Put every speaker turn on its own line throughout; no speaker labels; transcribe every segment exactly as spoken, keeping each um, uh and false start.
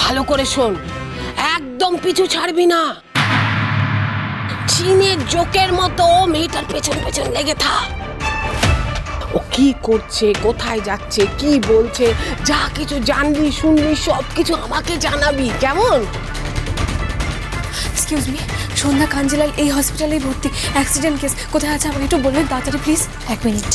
ভালো করে শোন, একদম পিছু ছাড়বি না। চীনের জোকের মতো মেয়েটার পেছন পেছন লেগে থাক। ও কি করছে, কোথায় যাচ্ছে, কি বলছে, যা কিছু জানবি শুনবি সব কিছু আমাকে জানাবি, কেমন?
এক্সকিউজ মি, সন্ধ্যা কাঞ্জিলাল এই হসপিটালেই ভর্তি, অ্যাক্সিডেন্ট কেস। কোথায় আছে আমাকে একটু বলবেন তাড়াতাড়ি প্লিজ। এক মিনিট।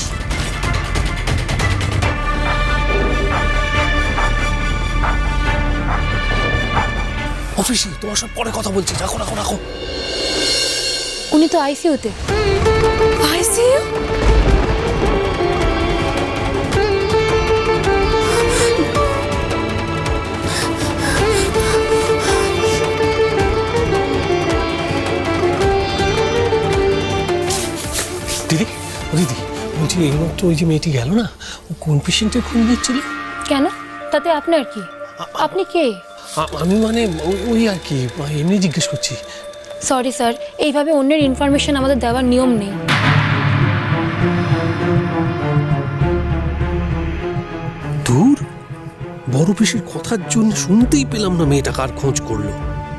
অফিসে তোমার সব পরে কথা বলছি, রাখো রাখো রাখো।
উনি তো আইসিইউতে। আইসিইউ?
দিদি ও দিদি বলছি, এইমাত্র ওই যে মেয়েটি গেল না, ও কোন পেশেন্টের খুন দিচ্ছিল?
কেন, তাতে আপনার কি? আপনি কে?
আ- আমি মানে ওই- ওই আর কি, এমনি জিজ্ঞেস করছি।
সরি স্যার, এইভাবে অন্যের ইনফরমেশন আমাদের দেওয়ার নিয়ম নেই।
দূর, বড় পিসির কথার জন্য শুনতেই পেলাম না মেয়েটা কার খোঁজ করলো।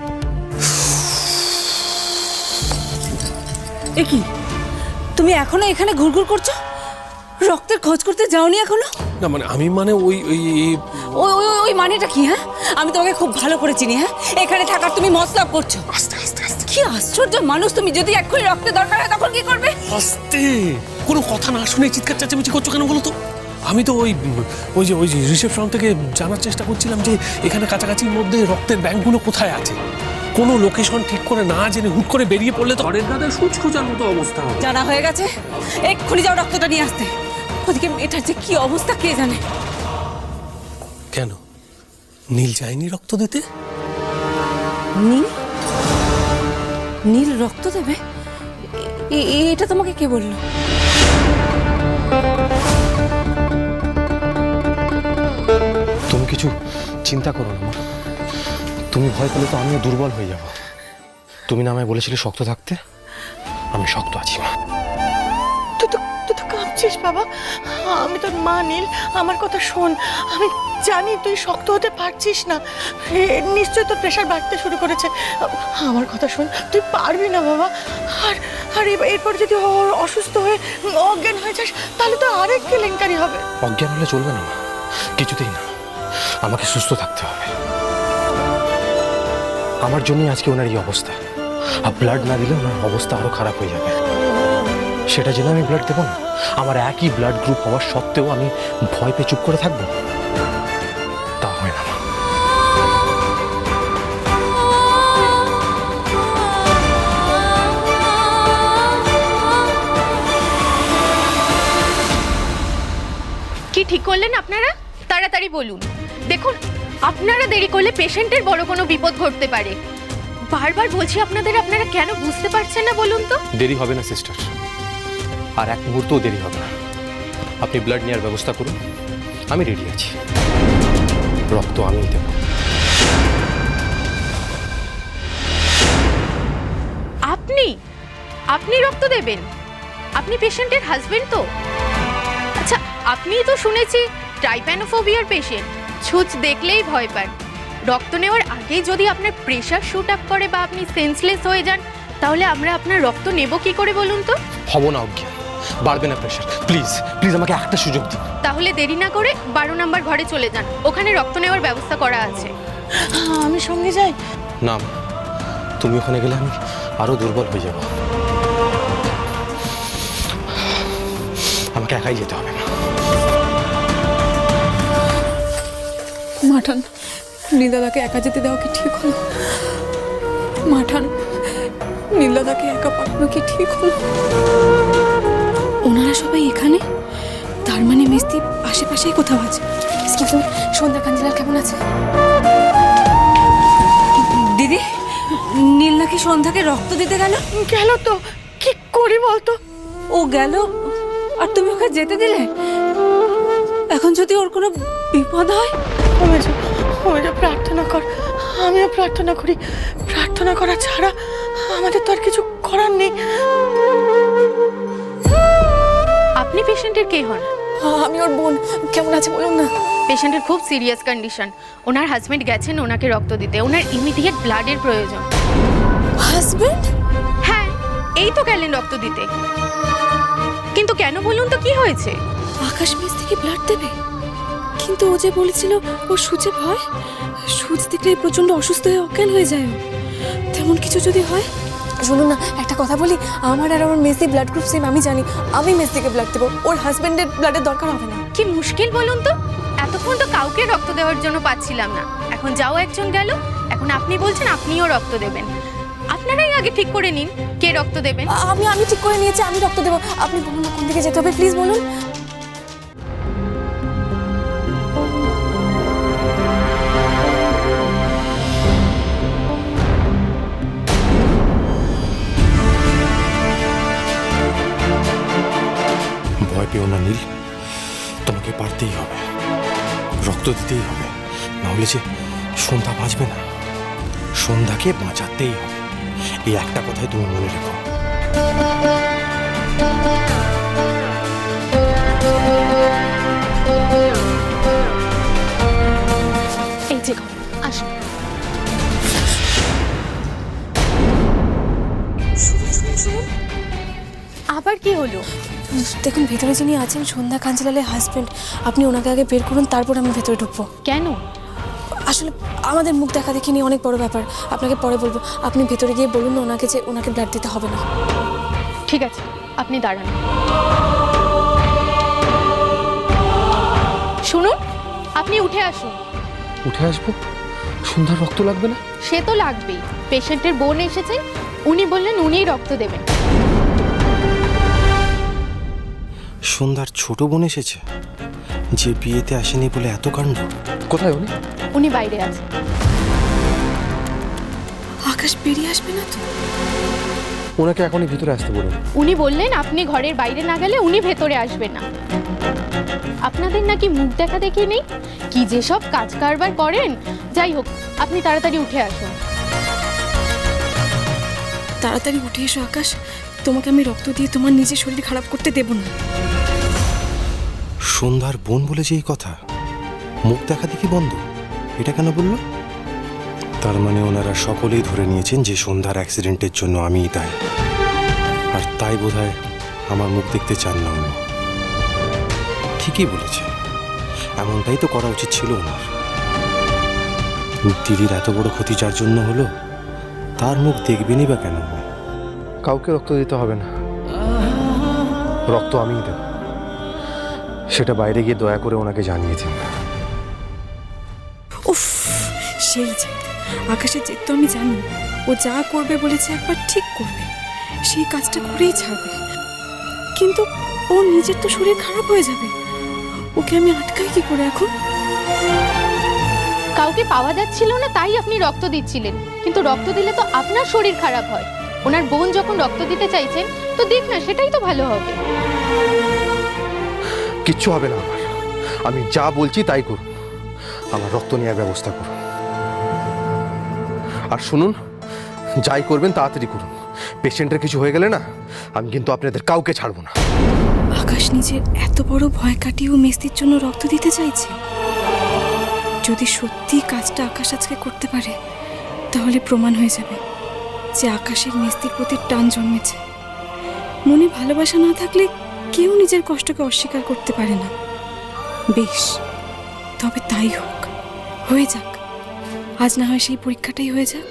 এ কি, তুমি এখনো এখানে ঘুরঘুর করছো? রক্তের খোঁজ করতে যাওনি এখনো?
না মানে আমি মানে ওই ওই
ওই ওই ওই- ওই মানেটা কি? হ্যাঁ, আমি তোমাকে খুব ভালো করে চিনি। হ্যাঁ, এখানে থাকার তুমি মতলব করছো।
আস্তে আস্তে আস্তে
কি আশ্চর্য মানুষ তুমি! যদি এক্ষুনি রক্তের দরকার হয় তখন কি করবে?
আস্তে, কোনো কথা না শুনে চিৎকার চেঁচামেচি করছো কেন বলো তো? আমি তো ওই ওই যে ওই যে রিসেপশন থেকে জানার চেষ্টা করছিলাম যে এখানে কাছাকাছির মধ্যে রক্তের ব্যাংকগুলো কোথায় আছে। কোনো লোকেশন ঠিক করে না জেনে হুট করে বেরিয়ে পড়লে তো ঘরের দাদা সুচ খোঁজার মতো অবস্থা হবে।
জানা হয়ে গেছে, এক্ষুনি যাও রক্তটা নিয়ে আসতে। ওদিকে মেয়েটার যে কি অবস্থা কে জানে।
কেন নীল যায়নি রক্ত দিতে?
নীল? নীল রক্ত দেবে? এ- এ- এটা তোমাকে কে বললো?
তুমি কিছু চিন্তা করো না মা। তুমি ভয় পেলে তো আমিও দুর্বল হয়ে যাব। তুমি না আমায় বলেছিলে শক্ত থাকতে, আমি শক্ত আছি মা।
তুই তো তুই তো কাঁপছিস বাবা। আমি তোর মা নীল, আমার কথা শোন। আমি জানি তুই শক্ত হতে পারছিস না, এ, নিশ্চয়ই তোর প্রেশার বাড়তে শুরু করেছে। আমার কথা শোন, তুই পারবি না বাবা। আর আর এ- এরপর যদি ও- অসুস্থ হয়ে অজ্ঞান হয়ে যাস তাহলে তো আরেক কেলেঙ্কারি হবে।
অজ্ঞান হলে চলবে না মা, কিছুতেই না। আমাকে সুস্থ থাকতে হবে। আমার জন্যই আজকে ওনার এই অবস্থা। আর ব্লাড না দিলে ওনার অবস্থা আরো খারাপ হয়ে যাবে। সেটা জেনে আমি ব্লাড দেবো না? আমার একই ব্লাড গ্রুপ হওয়ার সত্ত্বেও আমি ভয় পেয়ে চুপ করে থাকবো? তা হয় না মা।
কি ঠিক করলেন আপনারা? তাড়াতাড়ি বলুন। দেখুন, আপনারা দেরি করলে পেশেন্টের বড় কোনো বিপদ ঘটতে পারে। বারবার বলছি আপনাদের, আপনারা কেন বুঝতে পারছেন না বলুন তো?
দেরি হবে না সিস্টার, আর এক মুহূর্তও দেরি হবে না। আপনি ব্লাড নেওয়ার ব্যবস্থা করুন, আমি রেডি আছি। রক্ত আমিই দেব।
আপনি আপনি রক্ত দেবেন? আপনি পেশেন্টের হাজবেন্ড তো? আচ্ছা, আপনিই তো শুনেছি ট্রাইপ্যানোফোবিয়ার পেশেন্ট, ছুঁচ দেখলেই ভয় পান। রক্ত নেওয়ার আগেই যদি আপনার প্রেশার শুট আপ করে বা আপনি সেন্সলেস হয়ে যান, তাহলে আমরা আপনার রক্ত নেব কি করে বলুন তো?
হব না অজ্ঞান, বাড়বে না প্রেশার। প্লিজ প্লিজ আমাকে একটা সুযোগ দিন।
তাহলে দেরি না করে বারো নাম্বার ঘরে চলে যান, ওখানে রক্ত নেওয়ার ব্যবস্থা করা আছে।
আমি সঙ্গে যাই?
না মা, তুমি ওখানে গেলে আমি আরো দুর্বল হয়ে যাব। আমাকে একাই যেতে হবে মা।
মাঠান, নীলদাদাকে একা যেতে দেওয়া কি ঠিক হলো? মাঠান, নীলদাদাকে একা পাঠানো কি ঠিক হলো? ওনারা সবাই এখানে, তার মানে মিস্তি আশেপাশেই কোথাও আছে। এক্সকিউজ মি, সন্ধ্যা কাঞ্জিলাল কেমন আছে?
দিদি, নীল নাকি সন্ধ্যাকে রক্ত দিতে গেল?
গেল তো, কি করি বলতো?
ও গেল আর তুমি ওকে যেতে দিলে? এখন যদি ওর কোনো বিপদ হয়?
কমে যা, কমে যা, প্রার্থনা কর। আমিও প্রার্থনা করি। প্রার্থনা করা ছাড়া আমাদের তো আর কিছু করার নেই।
আপনি পেশেন্টের কে হন?
আমি ওর বোন। কেমন আছে বলুন না।
পেশেন্টের খুব সিরিয়াস কন্ডিশন। ওনার হাজবেন্ড গেছেন ওনাকে রক্ত দিতে, ওনার ইমিডিয়েট ব্লাডের প্রয়োজন।
হাজবেন্ড?
হ্যাঁ, এই তো গেলেন রক্ত দিতে। কিন্তু কেন বলুন তো, কি হয়েছে?
আকাশ মেস থেকে ব্লাড দেবে, কিন্তু ও যে বলেছিল ও সূচে ভয়, সূচ দেখলে প্রচন্ড অসুস্থ হয়ে অজ্ঞান হয়ে যায়। ও তেমন কিছু যদি হয়। শুনুন না, একটা কথা বলি, আমার আর আমার মেসি ব্লাড গ্রুপ সেম, আমি জানি। আমি মেস থেকে ব্লাড দেবো, ওর হাজবেন্ডের ব্লাডের দরকার হবে না।
কি মুশকিল বলুন তো, এতক্ষণ তো কাউকে রক্ত দেওয়ার জন্য পাচ্ছিলাম না, এখন যাও একজন গেল, এখন আপনি বলছেন আপনিও রক্ত দেবেন। আপনারাই আগে ঠিক করে নিন কে রক্ত দেবেন।
আমি আমি ঠিক করে নিয়েছি, আমি রক্ত দেবো। আপনি বলুন না কোন দিকে যেতে হবে, প্লিজ বলুন।
ভয় পেও না নীল, তোমাকে পারতেই হবে, রক্ত দিতেই হবে, নাহলে যে সন্ধ্যা বাঁচবে না। সন্ধ্যাকে বাঁচাতেই হবে, এই একটা কথাই তুমি মনে রেখো।
এই যে আসুন।
আবার কি হলো?
দেখুন, ভেতরে যিনি আছেন সন্ধ্যা কাঞ্জিলালের হাজবেন্ড, আপনি ওনাকে আগে বের করুন, তারপর আমি ভেতরে ঢুকবো।
কেন?
আসলে আমাদের মুখ দেখা দেখি নিয়ে অনেক বড় ব্যাপার, আপনাকে পরে বলবো। আপনি ভেতরে গিয়ে বলুন না ওনাকে যে ওনাকে ব্লাড দিতে হবে না।
ঠিক আছে, আপনি দাঁড়ান। শুনুন, আপনি উঠে আসুন।
উঠে আসবো? সন্ধ্যার রক্ত লাগবে না?
সে তো লাগবেই, পেশেন্টের বোন এসেছেন, উনি বললেন উনিই রক্ত দেবেন।
সন্ধ্যার ছোট বোন এসেছে, যে বিয়েতে আসেনি বলে এত কাণ্ড। কোথায় উনি?
উনি বাইরে আছেন।
আকাশ বেরিয়ে আসবে না তো?
ওনাকে এখনই ভিতরে আসতে বলুন।
উনি বললেন আপনি ঘরের বাইরে না গেলে উনি ভেতরে আসবেন না। আপনাদের নাকি মুখ দেখা দেখি নেই, কি যেসব কাজ কারবার করেন। যাই হোক, আপনি তাড়াতাড়ি উঠে আসুন।
তাড়াতাড়ি উঠে এসো আকাশ, তোমাকে আমি রক্ত দিয়ে তোমার নিজের শরীর খারাপ করতে দেব না।
সন্ধ্যার বোন বলে যে এই কথা, মুখ দেখা দেখি বন্ধ, এটা কেন বললো? তার মানে ওনারা সকলেই ধরে নিয়েছেন যে সন্ধ্যার অ্যাক্সিডেন্টের জন্য আমিই দায়ী, আর তাই বোধহয় আমার মুখ দেখতে চান না উনি। ঠিকই বলেছে, এমনটাই তো করা উচিত ছিল ওনার। দিদির এত বড় ক্ষতি যার জন্য হলো, তার মুখ দেখবেনই বা কেন? কাউকে রক্ত দিতে হবে না, রক্ত আমিই দেব, সেটা বাইরে গিয়ে দয়া করে ওনাকে জানিয়ে দিন।
উফ, সেই যে আকাশের জেদ তো আমি জানি, ও যা করবে বলেছে একবার ঠিক করবে, সেই কাজটা করেই ছাড়বে। কিন্তু ও নিজের তো শরীর খারাপ হয়ে যাবে, ওকে আমি আটকাই কি করে এখন?
কাউকে পাওয়া যাচ্ছিল না তাই আপনি রক্ত দিচ্ছিলেন, কিন্তু রক্ত দিলে তো আপনার শরীর খারাপ হয়। ওনার বোন যখন রক্ত দিতে চাইছেন তো দিক না, সেটাই তো ভালো হবে।
কিচ্ছু হবে না আমার, আমি যা বলছি তাই করুন, আমার রক্ত নেওয়ার ব্যবস্থা করুন। আর শুনুন, যাই করবেন তাড়াতাড়ি করুন, পেশেন্টের কিছু হয়ে গেলে না আমি কিন্তু আপনাদের কাউকে ছাড়বো না।
আকাশ নিজের এত বড় ভয় কাটিয়েও মেস্তির জন্য রক্ত দিতে চাইছে। যদি সত্যি কাজটা আকাশ আজকে করতে পারে, তাহলে প্রমাণ হয়ে যাবে যে আকাশের মেস্তির প্রতি টান জন্মেছে। মনে ভালোবাসা না থাকলে কেউ নিজের কষ্টকে অস্বীকার করতে পারে না। বেশ, তবে তাই হোক, হয়ে যাক, আজ না হয় সেই পরীক্ষাটাই হয়ে যাক।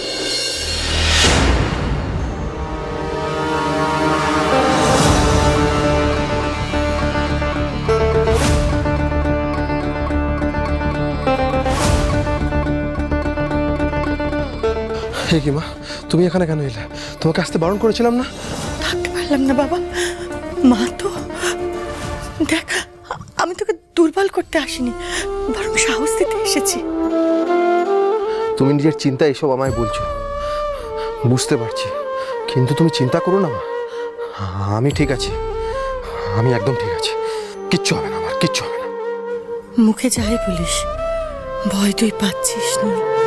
হে কি মা, তুমি এখানে কেন এলে? তোমাকে আসতে বারণ করেছিলাম না?
থাকতে পারলাম না বাবা, মা তো দেখ, আমি তোকে দুর্বল করতে আসিনি, বরং সাহস দিতে এসেছি।
তুমি নিজের চিন্তা এসব আমায় বলছো, বুঝতে পারছি, কিন্তু তুমি চিন্তা করো না মা, আমি ঠিক আছি, আমি একদম ঠিক আছি, কিচ্ছু হবে না আমার, কিচ্ছু হবে না।
মুখে যাই বলিস, ভয় তুই পাচ্ছিস না।